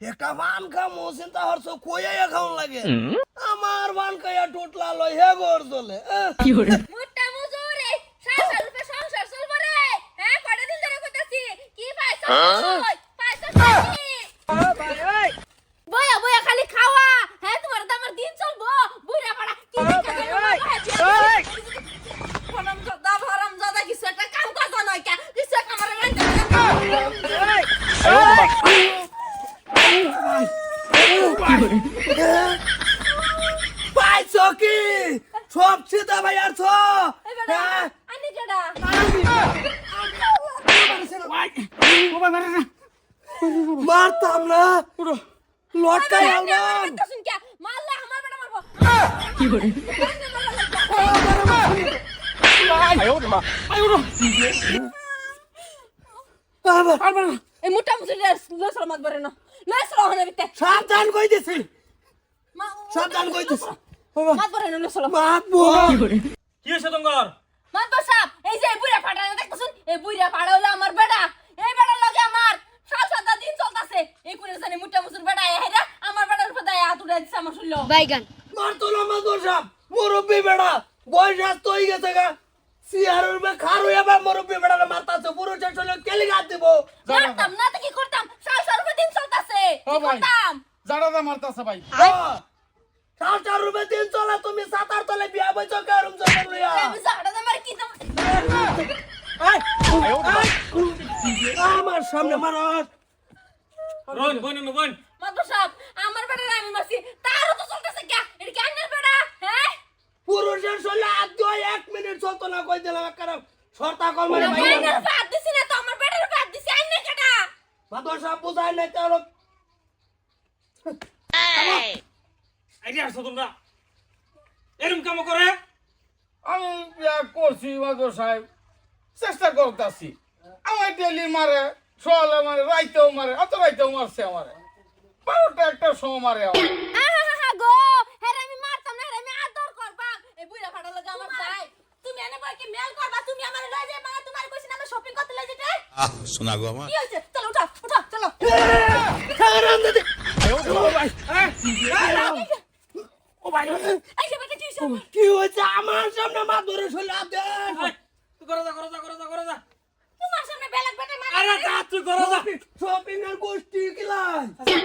একটা বান খামো চিন্তা করছো কইয়া খাওন লাগে আমার বান খাইয়া টুটলা লই হে গর চলে মোটা মজুরে 60 রুপে সংসার চলবো রে হ্যাঁ কয়টা দিন ধরে কইতাছি কি পাইছ পাইছ বয়া বয়া খালি খাওয়া হ্যাঁ তোমার তো আমার দিন চলবো বুইরা পাড়া কি হারাম জাদা কিছু একটা কাম করছ নয় কে কিছু একটা আমারে পাইছো কি সব সিধা ভাই আর ছো আনি কেডা মারতাম না লটকাই আলবাম শুন কে মারলে আমার বেটা মারবো কি করে এই মোটা মুসুরি লসল মাত বরে না লসল হনে বিতে সাবধান কই দিছি সাবধান কই দিছি মাত বরে না লসল মাতবো কি করে কি হইছে তোমার মাত বসাব এই যে বুইরা ফাটা না দেখছুন এই বুইরা ফাড়া হলো আমার বেটা এই বেটা লগে আমার 7 দিন চলতাছে এই কোনে জানি মোটা মুসুর বেটা হেরা আমার বেটার উপর দায় হাত উড়াই দিছে আমার শুনলো বাইগান মারতো না মাদর সাহেব মুরব্বি বেড়া বয়স আস্ত হয়ে গেছে গা সিয়ারের মে খার হইয়া বা মুরব্বি বেড়া মারতাছে পুরো চলে কেলি গাত দিব করতাম না তো কি করতাম 7 দিন চলতাছে কি করতাম জাড়া মারতাছে ভাই 7 রুপে দিন চলে তুমি 7 তলে বিয়া বইছো কারুম জন্য লইয়া আমি জাড়া মার কি তো আমার সামনে মারস রন বইন বইন মাত বসাব আমার বেটা আমি মারছি তারও তো চলতেছে কে এটা কি আন্নার বেটা হ্যাঁ পুরুষের শরীরে হাত দিয়ে 1 মিনিট চলতো না কই দিলাম কারণ শর্তা কল মারে ভাই আইনের বাদ দিছি না তো আমার বেটার বাদ দিছি আইনে কেডা মাদর সাহেব বুঝাই নাই তো আইডিয়া আসছো তোমরা এরকম কাম করে আমি বিয়া করছি বাদর সাহেব চেষ্টা করতেছি আমার ডেলি মারে সকালে মারে রাইতেও মারে অত রাইতেও মারছে আমারে 12টা একটা সময় মারে আমার আহা গো হেরে আমি মারতাম না হেরে আমি আদর করবা এই বুইরা ফাটা লাগে আমার ভাই তুমি এনে বই কি মেল করবা তুমি আমারে লই যাই মা তোমার কইছি না আমি শপিং করতে লই যেতে শোনা গো আমার কি হইছে চলো উঠা উঠা চলো ও ভাই এই যে বেটা কি হইছে কি হইছে আমার সামনে মাদরে শরীরে হাত দেন তুই করে যা তোমার সামনে বেলাক বেটা মার আরে যা তুই করে যা শপিং এর গোষ্ঠী কিলাই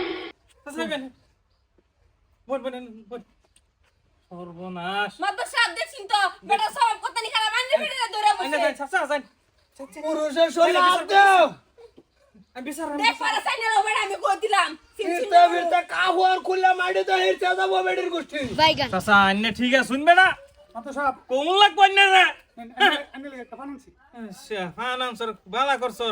বইন সর্বনাশ মাত সাপ দেখছিন তো বেটা সব কত নি খারাপ আনরে বেটা ধরে আইনা বসে যাই যান পুরুষের শরীরে হাত দেও আমি বিচার দেখ পারা সাইনা লো বেটা আমি কই দিলাম ফিরতে ফিরতে কাহুয়ার খুলে মাটি তো হেরতে যাবো বেডির গোষ্ঠী বাইগান চাচা আন্নে ঠিক আছে শুনবে না মাত্র সাহেব কোন লাগবে আন্নে রে আমি লাগে একটা ফানান্সি আচ্ছা হ্যাঁ নাম স্যার বালা কর স্যার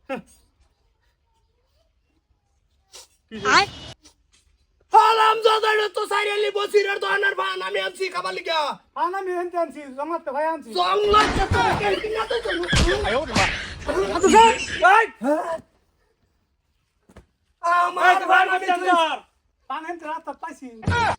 হালাম জাদারে তো সাইরেলি বসিরের দোকানের ভান আমি আনছি খাবার লিগা আমি এনতে আনছি জমাতে ভাই আনছি জঙ্গল তো কেলকি না তো চলো মাত্র সাহেব আমার ভান আমি পান এনতে রাত পাইছি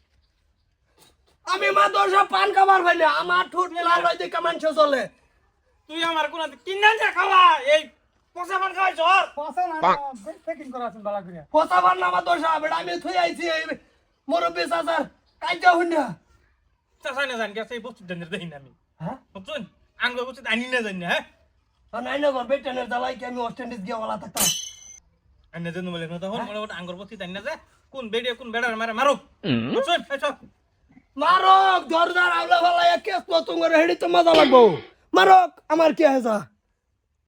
আমি মাদরসা পান খাবার ভাই না আমার ঠোঁট লাল হই দেখে মানুষ চলে তুই আমার কোন কিনা যা খাওয়া এই পচা পান খাওয়াই চল পয়সা না পেকিং করা আছে বালা করে পোতা ভান না মাদরসা বেটা আমি থুই আইছি মুরব্বি চাচার কাইজা হুন্না চাচা না জান গেছে এই বস্তু দেনের দেই না আমি হ্যাঁ বুঝছেন আঙ্গুর বস্তু আনি না জানি হ্যাঁ নাই না গর বেটেনের জ্বালাই কি আমি অস্টেন্ডিস গিয়া ওলা থাকতাম আন্নে জন্য বলে না তখন মোটামুটি আঙ্গুর বস্তু আনি না যে কোন বেড়ে কোন বেড়ার মারে মারো বুঝছেন এই সব মারক দরজার আউলা ফালা কেস তো তোমার হেডি তো মজা লাগবো মারক আমার কি হয়েছে